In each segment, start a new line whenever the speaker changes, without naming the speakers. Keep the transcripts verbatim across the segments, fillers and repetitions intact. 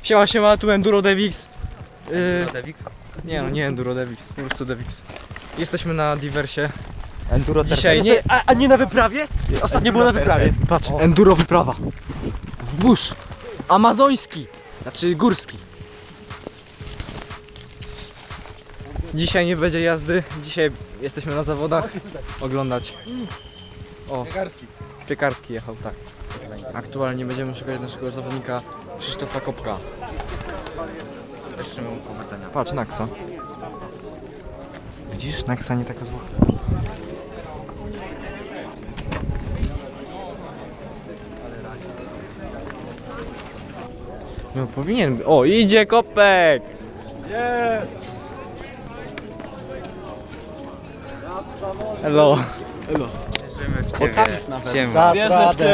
Siema, siema, tu Enduro Devix.
Enduro Devix?
Nie no, nie Enduro Devix, po prostu Devix. Jesteśmy na Diversie.
Enduro
Dzisiaj nie...
A, a nie na wyprawie? Ostatnio było na wyprawie.
Patrz, Enduro wyprawa. W burz. Amazoński. Znaczy górski. Dzisiaj nie będzie jazdy. Dzisiaj jesteśmy na zawodach. Oglądać. O,
Piekarski.
Piekarski jechał, tak. Aktualnie będziemy szukać naszego zawodnika Krzysztofa Kopka.
Życzymy mu powodzenia.
Patrz, Naksa. Widzisz? Naksa nie taka zła. No powinien... O, idzie Kopek!
Nie.
Hello.
Wierzymy w
Pokażesz nawet.
Siema.
Dasz radę.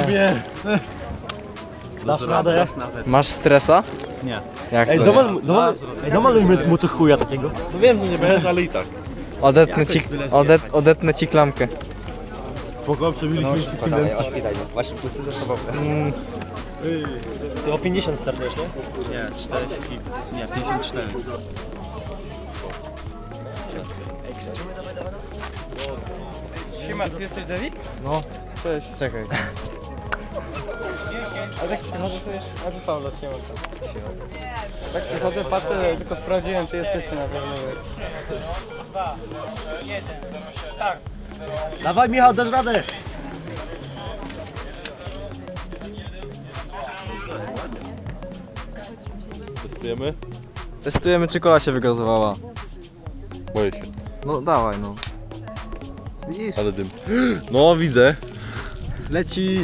Dasz radę.
Masz stresa?
Nie.
Jak
Ej,
to
domal,
nie?
domal, ej, domalujmy mu tu chuja takiego.
No wiem, że nie będziesz, ale i tak.
Odetnę ci, odet, odetnę ci klamkę.
Spoko, przebiliśmy się
Podawaj, odpilaj. Właśnie plusy ze sobą.
Mm,
Ty o pięćdziesiąt startujesz, nie?
Nie, czterdzieści. Nie, pięćdziesiąt cztery.
Siema, ty jesteś Dawid?
no,
Cześć.
czekaj.
A tak przychodzę sobie... A ty Paulo, siema tam. Tak przychodzę, patrzę, tylko sprawdziłem, czy jesteś na pewno. Dwa, jeden, tak.
Dawaj Michał, dasz radę.
Testujemy?
Testujemy, czy kola się wygazowała.
Boję się.
No dawaj, no. Widzisz?
Ale dym. No widzę.
Leci!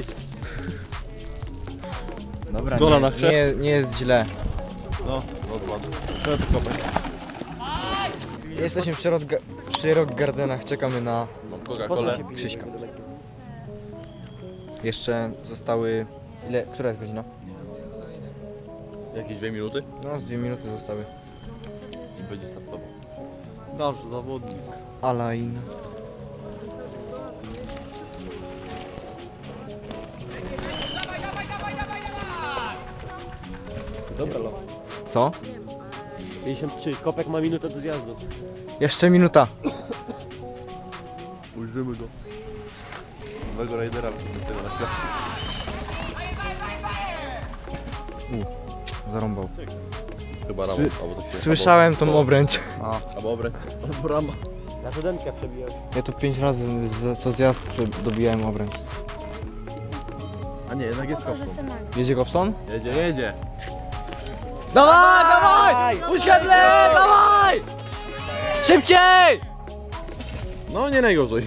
Dobra,
Kola
nie,
na chrzest.
nie, nie jest źle.
No, odład. Środkowe.
Jesteśmy przy, Rock, przy Rock Gardenach, czekamy na
Mam Coca-Colę.
Krzyśka. Jeszcze zostały... Ile? Która jest godzina?
Jakieś dwie minuty?
No, z dwie minuty zostały.
I będzie startował. Nasz zawodnik.
Alain.
Dobra, lo.
Co?
pięćdziesiąt trzy, Kopek ma minutę do zjazdu.
Jeszcze minuta.
Ujrzymy go. Nowego rajdera do tego na świat.
Zarąbał.
Chyba rama.
Sły-
albo to się
Słyszałem tą obręcz.
Albo, albo obręcz. Albo rama.
Na siódemkę przebijać.
Ja to pięć razy z, co zjazd prze- dobijałem obręcz.
A nie, jednak jest kopką.
Jedzie Gobson?
Jedzie, jedzie.
Dawaj, dawaj! Uświadle, dawaj! Szybciej!
No nie najgorzej.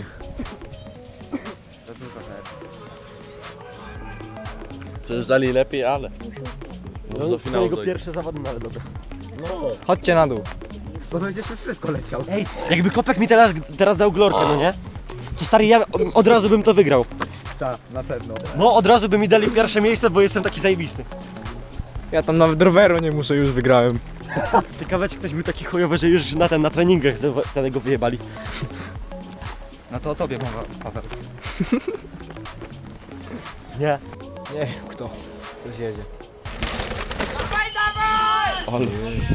Przejeżdżali lepiej, ale. No, do
To
finału
jego
dojdzie.
pierwsze zawody, no ale dobra.
Chodźcie na dół.
Bo będziesz wszystko leciał.
Ej, jakby Kopek mi teraz, teraz dał glorkę, no nie? To stary, ja od razu bym to wygrał.
Tak, na pewno.
No, od razu by mi dali pierwsze miejsce, bo jestem taki zajebisty.
Ja tam nawet roweru nie muszę, już wygrałem.
Ciekawe, czy ktoś był taki chujowy, że już na ten, na treningach tego wyjebali.
No to o tobie mowa, Paweł.
Nie.
Nie, kto? Ktoś jedzie.
Ale.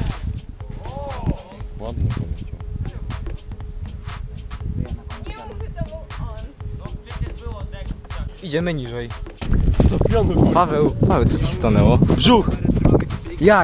Ładnie poleciał.
Idziemy niżej.
Do pionu.
Paweł, Paweł, co ci stanęło?
Brzuch.
Jak?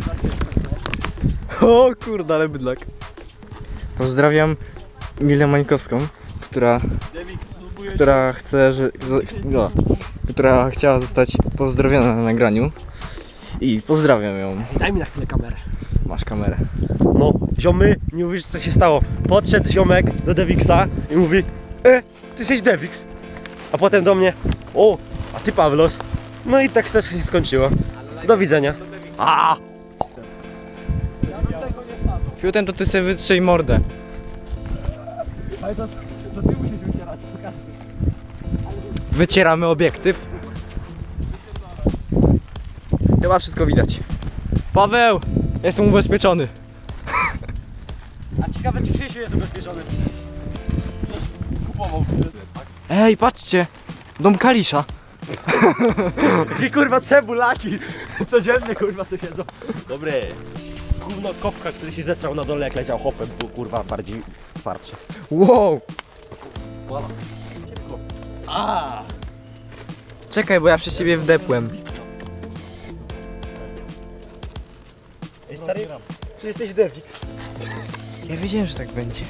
O kurde, ale bydlak. Pozdrawiam Milę Mańkowską, która, która chce, że, no, która chciała zostać pozdrowiona na nagraniu. I pozdrawiam ją.
Daj mi na chwilę kamerę.
Masz kamerę.
No, ziomy, nie uwierzysz co się stało. Podszedł ziomek do Dewixa i mówi: E, ty jesteś Devix. A potem do mnie: O, a ty Pawlos. No i tak też się skończyło. Do widzenia. A!
Fiuten, to ty sobie wytrzyj mordę. Wycieramy obiektyw. Chyba wszystko widać. Paweł! Jestem ubezpieczony.
A ciekawe, czy Krzysiu jest ubezpieczony. Kupował.
Ej, patrzcie! Dom Kalisza.
Dwie kurwa cebulaki. Codziennie kurwa sobie jedzą. Dobre. Gówno kopka, który się zestrał na dole jak leciał hopem, był kurwa bardziej twardszy.
Wow!
A!
Czekaj, bo ja przez ciebie wdepłem.
Ej stary, czy jesteś Devix?
Ja wiedziałem, że tak będzie.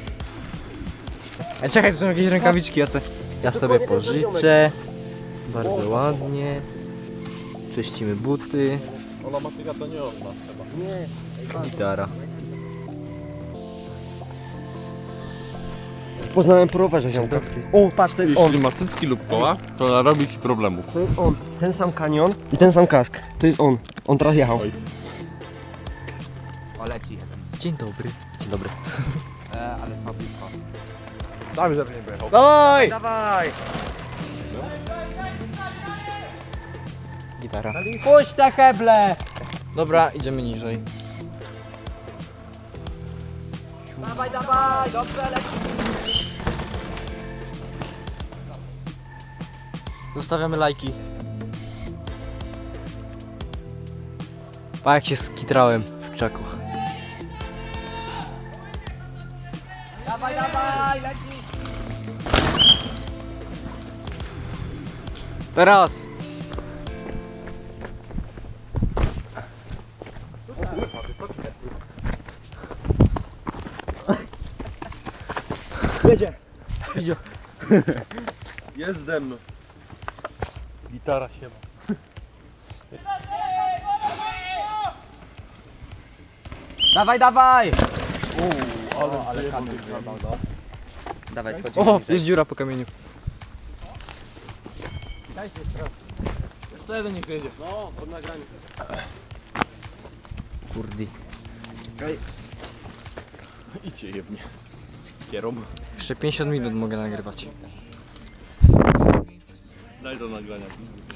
A czekaj, to są jakieś rękawiczki, ja, se, ja sobie pożyczę. Bardzo ładnie. Czyścimy buty.
Ola Matyga to nie ona chyba.
Nie.
Gitara.
Poznałem po rowerze ziomka. O, patrz, to jest on.
Jeśli ma cycki lub koła, to narobi ci problemów.
To jest on. Ten sam kanion i ten sam kask. To jest on. On teraz jechał.
Oj.
O, leci jeden.
Dzień dobry.
Dzień dobry.
E, ale słabiutko.
Damy, żeby nie pojechał.
Dawaj!
Dawaj!
Gitara.
Puść te heble!
Dobra, idziemy niżej.
Dawaj, dawaj! Dobrze, leci!
Zostawiamy lajki. Pa jak się skitrałem w krzaku.
Dawaj, dawaj! Leci!
Teraz!
Jedzie. Idzie.
Jestem. Gitara się ma.
Dawaj, dawaj!
Ale,
O, ale
ale
kamień wyjebał, no. Dawaj, schodzimy.
O,
niżej.
jest dziura po kamieniu.
Jeszcze jeden niech jedzie.
No, pod nagraniu.
Kurdi.
Idźcie jebnie. Kierom.
Jeszcze pięćdziesiąt minut mogę nagrywać.
Daj do nagrania.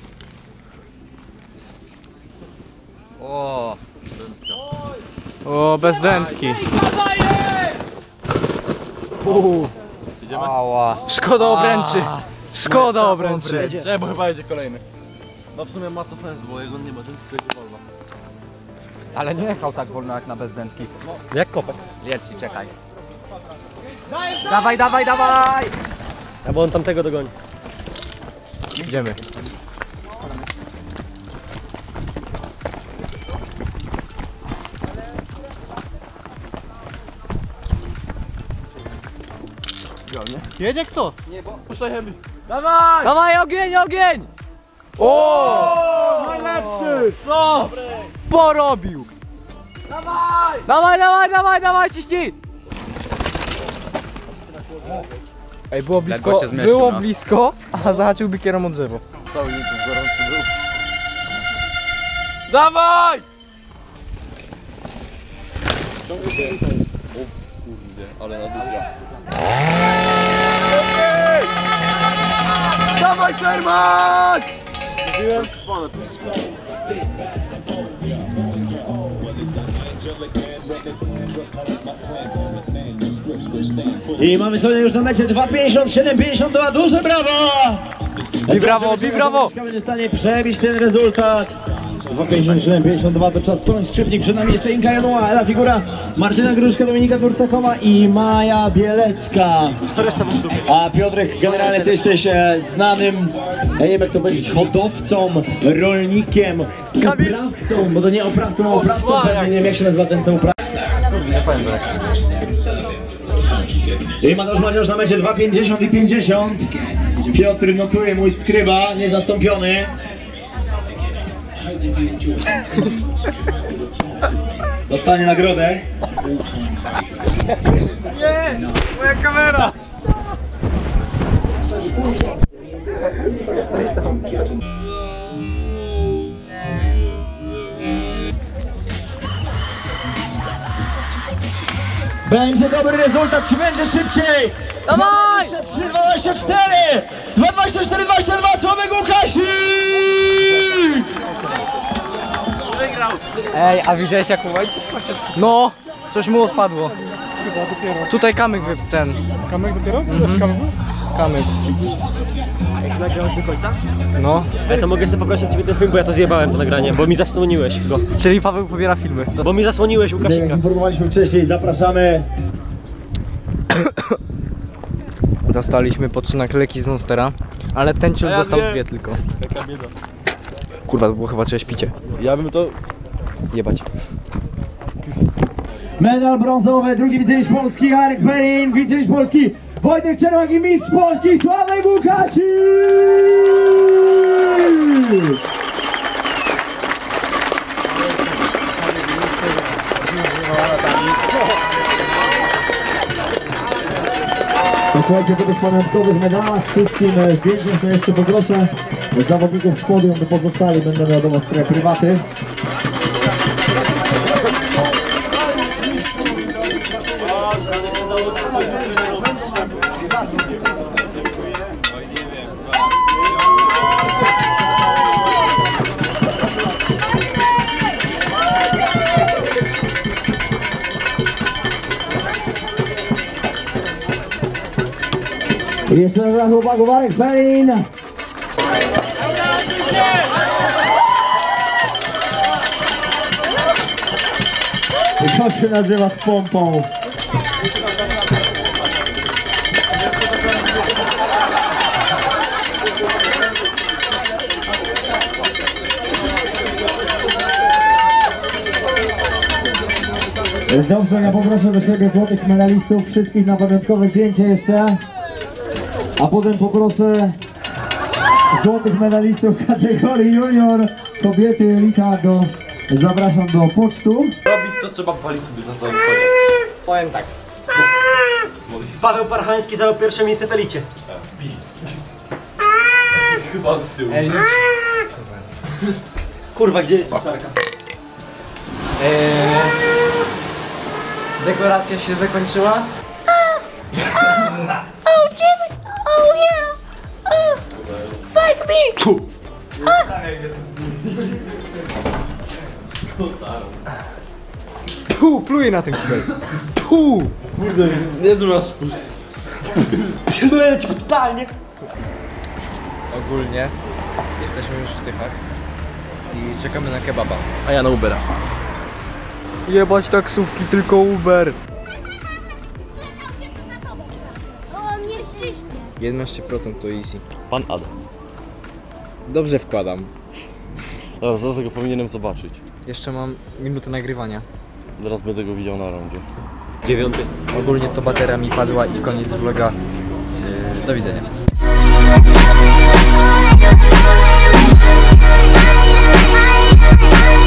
O,
O, bez dętki. Uuu.
Idziemy?
ała.
Szkoda obręczy. Szkoda obręczy.
Nie, bo chyba jedzie kolejny. No w sumie ma to sens, bo jego nie ma, ten tylko jedzie wolno.
Ale nie jechał tak wolno jak na bezdętki.
Jak kopek.
Leci, czekaj. Dawaj, dawaj, dawaj!
A bo on tamtego dogoni.
Idziemy. Jedzie kto?
Puszczajemy.
Dawaj!
Dawaj ogień, ogień! O!
Najlepszy! No!
Porobił! Dawaj! Dawaj, dawaj, dawaj, dawaj, ciśnij! Ej, było blisko,
Ledwo się zmieścił,
było
no.
blisko, a zahaczyłby kierą o drzewo.
Cały YouTube gorący był.
Dawaj!
O kurde, ale na dupia.
Dawaj, Sherman!
I mamy sobie już na mecie dwa pięćdziesiąt siedem pięćdziesiąt dwa, duże brawo!
Bi brawo, bi brawo!
Będzie w stanie przebić ten rezultat. dwa pięćdziesiąt siedem pięćdziesiąt dwa to czas Soń Skrzypnik, przed nami jeszcze Inka Januła, Ela Figura, Martyna Gruszka, Dominika Turcakowa i Maja Bielecka. A Piotrek, generalnie ty jesteś e, znanym, ja nie wiem jak to powiedzieć, hodowcą, rolnikiem, uprawcą, bo to nie oprawcą, a oprawcą, pewnie nie wiem jak się nazywa ten co uprawca. I Mateusz Maciusz na mecie dwa pięćdziesiąt i pięćdziesiąt. Piotr notuje, mój skryba, niezastąpiony. Dostanie nagrodę. Będzie dobry rezultat, czy będzie szybciej?
Dawaj!
dwadzieścia trzy dwadzieścia cztery! dwa dwadzieścia cztery dwadzieścia dwa, Sławek Łukasik!
Ej, a widziałeś jak łańcuch poszedł?
No, coś mu odpadło. Tutaj kamyk wy... ten.
Kamek dopiero? Mhm.
Kamyk.
Jak nagrałeś do końca?
No,
Ale to mogę sobie poprosić ciebie ten film, bo ja to zjebałem to nagranie, bo mi zasłoniłeś go.
czyli Paweł pobiera filmy.
Bo mi zasłoniłeś
Jak
Łukasika.
informowaliśmy wcześniej, zapraszamy.
Dostaliśmy po trzy naklejki z Monstera, ale ten ciul
ja
dostał
wiem.
dwie tylko.
Jaka bieda.
Kurwa, to było chyba czyjeś picie.
Ja bym to...
Jebać.
Medal brązowy, drugi wicemistrz Polski Arek Perin, wicemistrz Polski Wojtek Czermak i mistrz Polski Sławek Łukasik! Posłuchajcie, po tych pamiątkowych medalach wszystkim zdjęciom, to jeszcze poproszę zawodników z podium, by pozostali będą wiadomo w prywaty. I jeszcze raz chłopaków Arek Perin. I to się nazywa z pompą. Dobrze, ja poproszę do siebie złotych medalistów, wszystkich na pamiątkowe zdjęcie jeszcze. A potem poproszę złotych medalistów kategorii junior, kobiety, elita, do, zapraszam do pocztu.
Robić co trzeba palić sobie na całym konie.
Powiem tak.
Paweł Parchański zajął pierwsze miejsce w elicie.
Chyba z tyłu.
Ej,
Kurwa, gdzie jest suszarka?
Eee, dekoracja się zakończyła. Tu, pluję na ten kibel. Tu!
Kurde, niezły masz spust.
Pilnuję cię totalnie.
Ogólnie jesteśmy już w Tychach i czekamy na kebaba.
A ja na Ubera.
Jebać taksówki, tylko Uber.
O, mnie ściśnie.
jedenaście procent to easy.
Pan Adam.
Dobrze wkładam.
Zaraz, zaraz go powinienem zobaczyć.
Jeszcze mam minutę nagrywania.
Zaraz będę go widział na rondzie.
Dziewiąty.
Ogólnie to bateria mi padła i koniec vloga. Yy, do widzenia.
Bye.